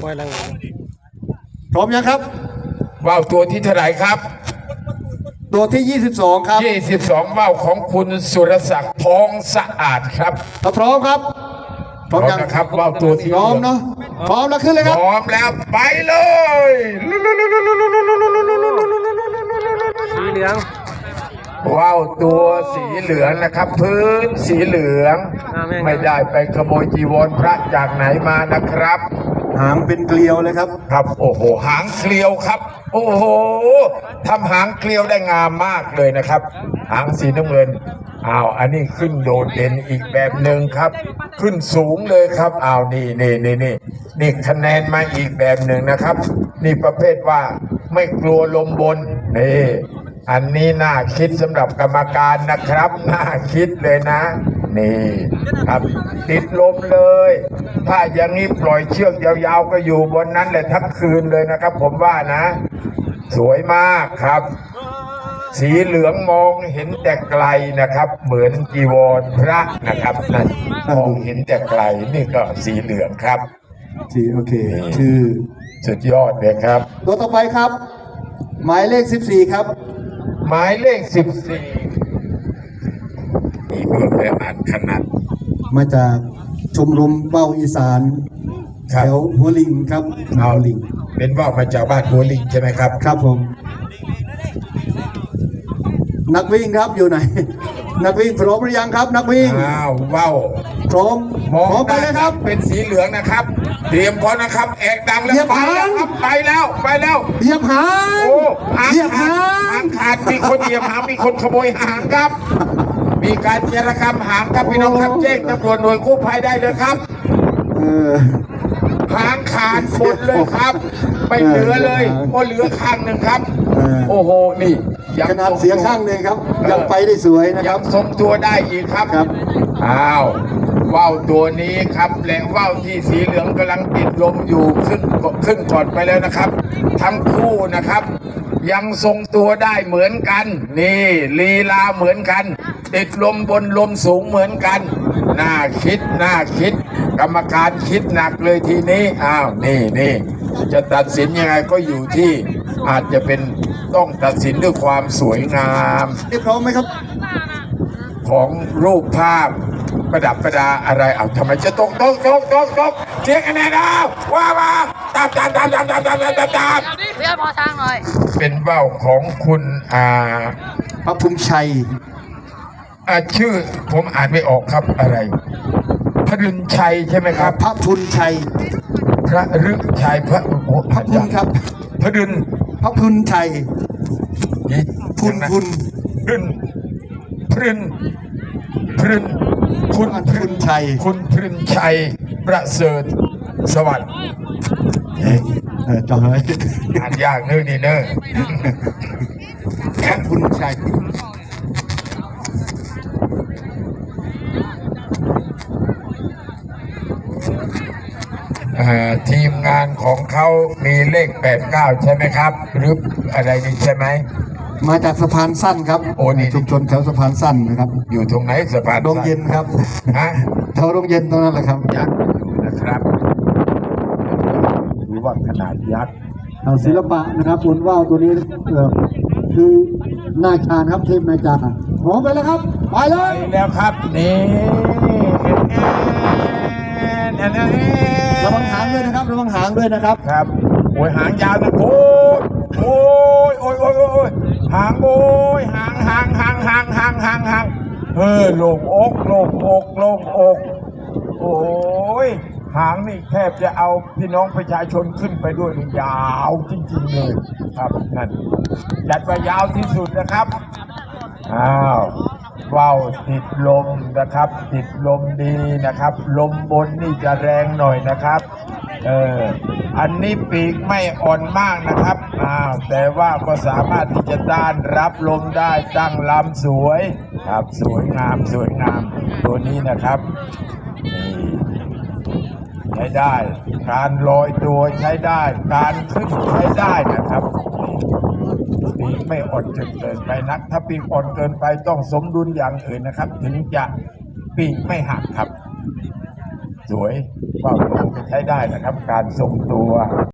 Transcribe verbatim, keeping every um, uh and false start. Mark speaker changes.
Speaker 1: พร้อมยังครับ
Speaker 2: ว่าวตัวที่เท่าไหร่ครับ
Speaker 1: ตัวที่ยี่สิบสองครับ
Speaker 2: ยี่สิบสองว่าวของคุณสุรศักดิ์ทองสะอาดครับ
Speaker 1: พร้อมครับ
Speaker 2: พร้อมนะครับว่าวตัวที่
Speaker 1: พร้อมเนาะพร้อมแล้วขึ้นเลยครับ
Speaker 2: พร้อมแล้วไปเลย
Speaker 3: สีเหลือง
Speaker 2: ว่าวตัวสีเหลืองนะครับพื้นสีเหลืองไม่ได้ไปขโมยจีวรพระจากไหนมานะครับ
Speaker 1: หางเป็นเกลียวเลยครับ
Speaker 2: ครับโอ้โหหางเกลียวครับโอ้โหทำหางเกลียวได้งามมากเลยนะครับหางสีน้ำเงินอ้าวอันนี้ขึ้นโดดเด่นอีกแบบหนึ่งครับขึ้นสูงเลยครับอ้าวนี่นี่นี่นี่นี่คะแนนมาอีกแบบหนึ่งนะครับนี่ประเภทว่าไม่กลัวลมบนนี่อันนี้น่าคิดสำหรับกรรมการนะครับน่าคิดเลยนะนี่ครับติดลมเลยถ้าอย่างนี้ปล่อยเชือกยาวๆก็อยู่บนนั้นเลยทั้งคืนเลยนะครับผมว่านะสวยมากครับสีเหลืองมองเห็นแต่ไกลนะครับเหมือนจีวรพระนะครับนั่นมองเห็นแต่ไกลนี่ก็สีเหลืองครับ
Speaker 1: สีโอเคคือ
Speaker 2: สุดยอดเลยครับ
Speaker 1: ตัวต่อไปครับหมายเลขสิบสี่ครับ
Speaker 2: หมายเลขสิบสี่มีเพื่อนไปอ่านขนาด
Speaker 1: มาจากชมรมเบ้าอีสานแถวหัวลิงครับ
Speaker 2: เอาลิงเป็นว่าวมาจากบ้านหัวลิงใช่ไหมครับ
Speaker 1: ครับผมนักวิ่งครับอยู่ไหนนักวิ่งพร้อมหรือยังครับนักวิ่ง
Speaker 2: อ้าวว่าว
Speaker 1: พร้อม
Speaker 2: มองไปเลยครับเป็นสีเหลืองนะครับเตรียมพร้อมนะครับแอกดังแล้วไปแล้วครับไปแล้วไปแล้ว
Speaker 1: เหยียบหาง
Speaker 2: โอ้หางขาดหางขาดมีคนเหยียบหางมีคนขโมยหางครับมีการเจรกรรมหางครับพี่น้องครับแจ้งตำรวจหน่วยกู้ภัยได้เลยครับหางขาดหมดเลยครับไม่เหลือเลยก็เหลือข้างหนึ่งครับโอ้โหนี่
Speaker 1: ขนาดเสียข้างหนึ่งครับยังไปได้สวยนะครับ
Speaker 2: ทรงตัวได้อีกครับ
Speaker 1: ครับ
Speaker 2: อ้าวว่าวตัวนี้ครับและว่าวที่สีเหลืองกำลังติดลมอยู่ขึ้นขึ้นก่อนไปแล้วนะครับทั้งคู่นะครับยังทรงตัวได้เหมือนกันนี่ลีลาเหมือนกันติดลมบนลมสูงเหมือนกันน่าคิดน่าคิดกรรมการคิดหนักเลยทีนี้อ้าวนี่นี่จะตัดสินยังไงก็อยู่ที่อาจจะเป็นต้องตัดสินด้วยความสวยงาม
Speaker 1: พร้อมไหมครับ
Speaker 2: ของรูปภาพประดับประดาอะไรเอาทำไมจะตกตกตกตกตกเช็คคะแนนเอาว่ามาตามตามตามตามตามตามตามตามตาม
Speaker 3: เรียกพอทางหน่อย
Speaker 2: เป็นว่าวของคุณอ่า
Speaker 1: พระภูมิชัย
Speaker 2: อ่าชื่อผมอ่านไม่ออกครับอะไรพระฤาชัยใช่ไหมครับ
Speaker 1: พระพุนชัย
Speaker 2: พระฤาชัยพระโอ้
Speaker 1: พระพุนครับ
Speaker 2: พระฤา
Speaker 1: พระพุนชัยพุนพุน
Speaker 2: ฤาพฤาพฤาคุณ
Speaker 1: พุนชัย
Speaker 2: คุณพฤาชัยประเสริฐสวัสดิ์
Speaker 1: เออจำไว้
Speaker 2: อ่านยากเนอะนี่เนอะ
Speaker 1: พระพุนชัย
Speaker 2: ทีมงานของเขามีเลขแปดเก้าใช่ไหมครับหรืออะไรนี่ใช่ไหม
Speaker 1: มาจากสะพานสั้นครับ
Speaker 2: โอ้นี่
Speaker 1: ชุมชนแถวสะพานสั้นนะครับ
Speaker 2: อยู่ตรงไหนสะพาน
Speaker 1: โรงเย็นครับ
Speaker 2: ฮะ
Speaker 1: แถวโรงเย็นตรงนั้นแหละครับ
Speaker 2: ยักษ์นะครับหรือว่าขนาดยักษ์
Speaker 1: ศิลปะนะครับบนว่าวตัวนี้คือนาชาญครับเทพนาจาพร้อมไปแล้วครับไปเลย
Speaker 2: ไปแล้วครับนี่
Speaker 1: ระวังหางด้วยนะครับระวังหางด้วยนะครับ
Speaker 2: ครับโอ้ยหางยาวนะโอ้ยโอ้ยโอ้ยโอ้ยโอ้ยหางโอ้ยหางหางหางหางหางหางหางเฮ้ยโล่งอกโล่งอกโล่งอกโอ้ยหางนี่แทบจะเอาพี่น้องประชาชนขึ้นไปด้วยยาวจริงๆเลยครับนั่นจัดไปยาวที่สุดนะครับอ้าวว่าวติดลมนะครับติดลมดีนะครับลมบนนี่จะแรงหน่อยนะครับเอออันนี้ปีกไม่อ่อนมากนะครับอ้าวแต่ว่าก็สามารถที่จะต้านรับลมได้ตั้งลำสวยครับสวยงามสวยงามตัวนี้นะครับนี่ใช้ได้การลอยตัวใช้ได้การขึ้นใช้ได้นะครับปีกไม่อ่อนจนเกินไปนักถ้าปีกอ่อนเกินไปต้องสมดุลอย่างอื่นนะครับถึงจะปีกไม่หักครับสวยว่าวโตใช้ได้นะครับ การทรงตัว